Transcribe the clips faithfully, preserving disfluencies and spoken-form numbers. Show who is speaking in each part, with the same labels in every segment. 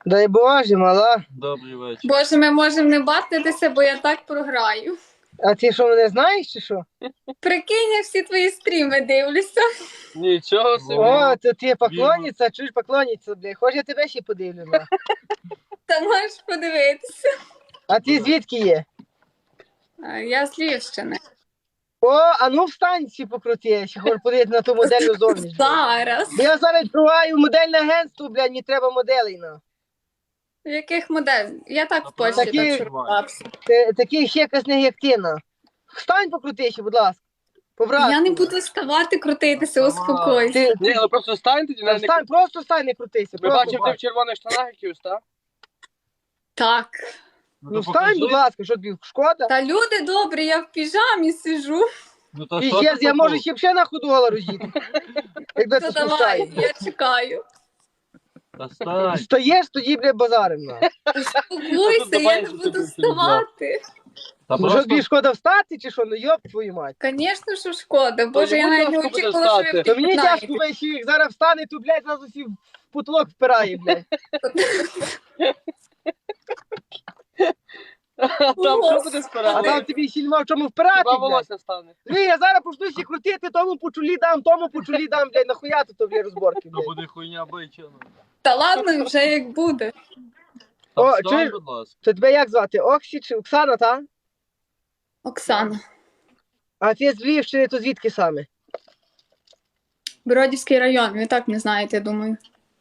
Speaker 1: Дай Боже, мала.
Speaker 2: Добрий вечір.
Speaker 3: Боже, ми можемо не бартитися, бо я так програю.
Speaker 1: А ти що, мене знаєш чи що?
Speaker 3: Прикинь, я всі твої стріми дивлюся.
Speaker 2: Нічого собі.
Speaker 1: О, то ти поклонниця, чуєш поклонниця, блядь. Хоч я тебе ще подивлю, на.
Speaker 3: Та можеш подивитися.
Speaker 1: А ти звідки є?
Speaker 3: А, Я з Львівщини.
Speaker 1: О, а ну встань всі покрути, ще хочу подивитися на ту модельну зовнішність.
Speaker 3: Зараз.
Speaker 1: Бо я зараз відкриваю модельне агентство, блядь, мені треба моделей, на.
Speaker 3: Яких модель? Я так в
Speaker 2: Такі-
Speaker 3: Польщі
Speaker 1: Такі-
Speaker 3: так шурпався.
Speaker 1: Та- Таких ще якась не як ти, на. Встань покрути ще, будь ласка. Побрати.
Speaker 3: Я не буду ставати, крутитися, успокойся.
Speaker 1: Ти,
Speaker 2: Ні,
Speaker 1: ти,
Speaker 2: ну просто стань тоді.
Speaker 1: та
Speaker 2: на не-
Speaker 1: встань, просто встань, не крутися.
Speaker 2: Ми
Speaker 1: просто
Speaker 2: бачимо, ти в
Speaker 1: встань.
Speaker 2: червоних штанах якихось, так?
Speaker 3: Так.
Speaker 1: Ну встань, будь ласка, що тобі шкода?
Speaker 3: Та люди добрі, я в піжамі сижу.
Speaker 2: Ну то
Speaker 1: І
Speaker 2: що
Speaker 1: ще,
Speaker 2: ти
Speaker 1: я можу
Speaker 2: таку?
Speaker 1: ще б ще на ходу гола розіти. Якби
Speaker 3: То
Speaker 1: це
Speaker 3: давай,
Speaker 1: спускає.
Speaker 3: я чекаю.
Speaker 2: Та стань.
Speaker 1: Стоїш, тоді, бля, базарим, на.
Speaker 3: Успокойся, я не буду вставати.
Speaker 2: Та
Speaker 1: Ну що тобі шкода встати, чи що? Ну йоп твою мать.
Speaker 3: Звісно, що шкода. Боже,
Speaker 2: не
Speaker 3: я навіть не
Speaker 2: можна буде
Speaker 3: очікувала, що ви
Speaker 2: встати.
Speaker 1: То мені
Speaker 3: знаєте.
Speaker 1: тяжко весь їх зараз встане, то, блядь, зразу всі в потолок впирає, блядь.
Speaker 2: Там що буде
Speaker 1: А
Speaker 2: спирати?
Speaker 1: там тобі ще нема в чому впирати,
Speaker 2: Хіба
Speaker 1: блядь.
Speaker 2: волосся стане?
Speaker 1: Ні, я зараз почну всі крутити, тому по чолі дам, тому по чолі дам, блядь, нахуя тут, то, блядь, розборки,
Speaker 2: То
Speaker 1: блядь.
Speaker 2: буде хуйня бичена.
Speaker 3: Та ладно, вже як буде.
Speaker 1: О,
Speaker 2: Та встань,
Speaker 1: чуєш?
Speaker 2: будь ласка.
Speaker 1: То тебе як звати? Оксі чи Оксана, та?
Speaker 3: Оксана.
Speaker 1: А ти з Львівщини, то звідки саме?
Speaker 3: Бродівський район, ви так не знаєте, я думаю.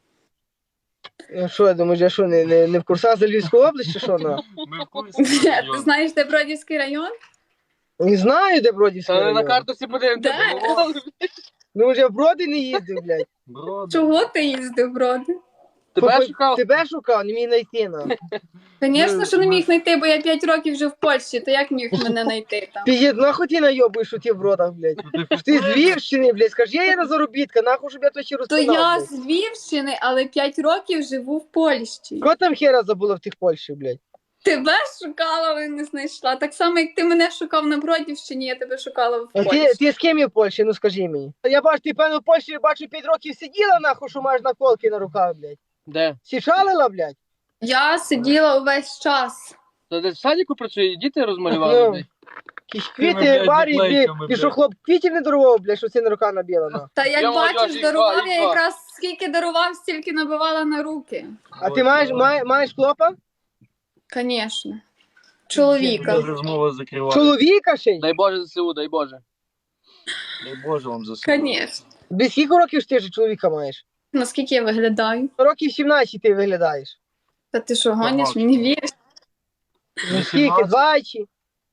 Speaker 1: Ну, Що, я думаю, я що, не, не, не в курсах за Львівську область, чи що, на?
Speaker 2: Ми в курсі.
Speaker 3: Ти знаєш, де Бродівський район?
Speaker 1: Не знаю, де Бродівський
Speaker 2: Та не на
Speaker 1: район.
Speaker 2: картусі подивимося.
Speaker 3: Де?
Speaker 1: Ну, вже в Броди не їздив, блядь.
Speaker 2: Броди.
Speaker 3: Чого ти їздив в Броди?
Speaker 2: Тебе
Speaker 1: Попи-
Speaker 2: шукав?
Speaker 1: Тебе шукав, не міг знайти, на.
Speaker 3: Звісно, що не міг знайти, бо я п'ять років вже в Польщі, то як міг мене знайти там?
Speaker 1: Піздець, нахуй ти найобуєш у ті в Бродах, блядь. Ти з Львівщини, блядь, скажи, я є на заробітка, нахуй, щоб я то ще
Speaker 3: То
Speaker 1: розпинав,
Speaker 3: я
Speaker 1: блядь.
Speaker 3: з Львівщини, але п'ять років живу в Польщі.
Speaker 1: Кого там хера забула в тих Польщі, блядь?
Speaker 3: Тебе шукала, але не знайшла. Так само, як ти мене шукав на Бродівщині, я тебе шукала в
Speaker 1: А
Speaker 3: Польщі.
Speaker 1: ти, ти з ким є в Польщі, ну скажи мені. Я бачу, ти, певно, в Польщі, бачу, п'ять років сиділа, нахуй, що маєш наколки на руках, блядь.
Speaker 2: Де?
Speaker 1: Січалила, блядь?
Speaker 3: Я сиділа увесь час.
Speaker 2: Та де в садіку працює, діти розмалювали.
Speaker 1: Ну.
Speaker 2: блядь.
Speaker 1: Якісь
Speaker 2: Тими,
Speaker 1: квіти,
Speaker 2: блядь,
Speaker 1: барі,
Speaker 2: наклейками,
Speaker 1: блядь.
Speaker 2: блядь.
Speaker 1: Пішов хлоп, квітів не дарував, блядь, що це на рука набіла, на.
Speaker 3: Та як
Speaker 2: Я
Speaker 3: бачиш,
Speaker 2: молодіж,
Speaker 3: дарував
Speaker 2: їх
Speaker 3: я
Speaker 2: два.
Speaker 3: якраз скільки дарував, стільки набивала на руки.
Speaker 1: А ти маєш, має, маєш хлопа?
Speaker 3: Звісно. Чоловіка.
Speaker 2: Розмова закриває.
Speaker 1: Чоловіка ще й?
Speaker 2: Дай Боже ЗСУ, дай Боже. Дай Боже вам ЗСУ.
Speaker 3: Звісно.
Speaker 1: Без скільки років ж ти ж чоловіка маєш?
Speaker 3: Наскільки я виглядаю?
Speaker 1: Років сімнадцять ти виглядаєш.
Speaker 3: Та ти що, гониш?
Speaker 2: Багато.
Speaker 3: Мені віриш?
Speaker 1: Ну скільки? двадцять,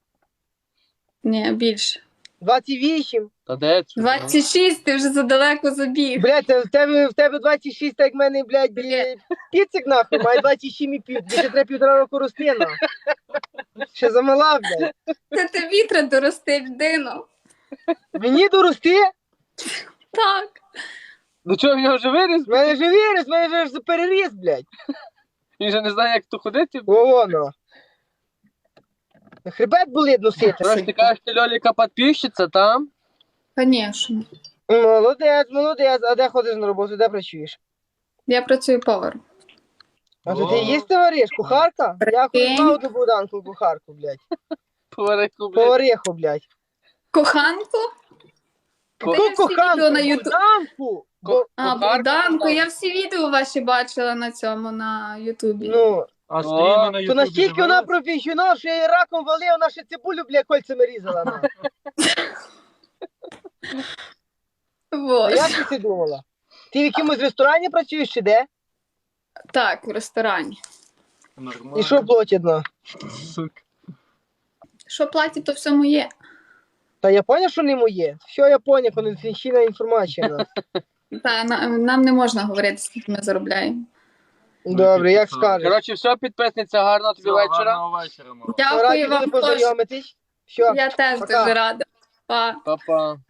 Speaker 3: Ні, більше.
Speaker 1: двадцять вісім.
Speaker 2: Та де це?
Speaker 3: двадцять шість, ти вже задалеко забіг.
Speaker 1: Блядь, в тебе, в тебе двадцять шість, так як в мене, блядь, блядь, піцик нахуй, має двадцять сім і пів. Більше треба півтора року рости, нахуй. Ще замала, блядь.
Speaker 3: Та тобі треба дорости людину.
Speaker 1: Мені дорости?
Speaker 3: Так.
Speaker 2: Ну чого, в нього вже виріс?
Speaker 1: В мене же вірус, в мене же переріс, блядь.
Speaker 2: Він же не знає, як тут ходити.
Speaker 1: О, воно. Хребет болить носити.
Speaker 2: Тож ти кажеш, ти Льоліка підписчиця, там?
Speaker 3: Звісно.
Speaker 1: Молодець, молодець. А де ходиш на роботу, де працюєш?
Speaker 3: Я працюю поваром.
Speaker 1: А то ти їсти вариш, кухарка? Я
Speaker 3: Прикинь.
Speaker 1: ходив до Богданку кухарку, блядь.
Speaker 2: Поварику, блядь.
Speaker 1: Повариху, блядь.
Speaker 3: Коханку?
Speaker 2: Ко-
Speaker 3: Та я всі
Speaker 1: Куханку,
Speaker 3: відео на Ютуб.
Speaker 1: Богданку. Бо-
Speaker 3: А,
Speaker 2: Кухарка,
Speaker 3: Богданко,
Speaker 2: так.
Speaker 3: я всі відео ваші бачила на цьому, на Ютубі.
Speaker 1: Ну,
Speaker 2: А
Speaker 1: то настільки вона професіонал, що я її раком валив, вона ще цибулю, блядь, кольцями різала. на. А
Speaker 3: Вот.
Speaker 1: як ти це думала? Ти в якомусь ресторані працюєш чи де?
Speaker 3: Так, в ресторані.
Speaker 1: І що платять, на?
Speaker 2: Сука.
Speaker 3: Що платять, то все моє.
Speaker 1: Та я поняв, що не моє. Все, я поняв, конфіденційна інформація. на.
Speaker 3: Та, на, нам не можна говорити, скільки ми заробляємо.
Speaker 1: Добре, як скажеш.
Speaker 2: Коротше, все, підписниця, гарного тобі вечора.
Speaker 4: Гарного вечора, мама.
Speaker 3: Дякую
Speaker 1: Раді
Speaker 3: вам
Speaker 1: були
Speaker 3: теж.
Speaker 1: познайомитись. Все.
Speaker 3: Я теж
Speaker 1: Пока.
Speaker 3: дуже рада. Па.
Speaker 2: Па-па.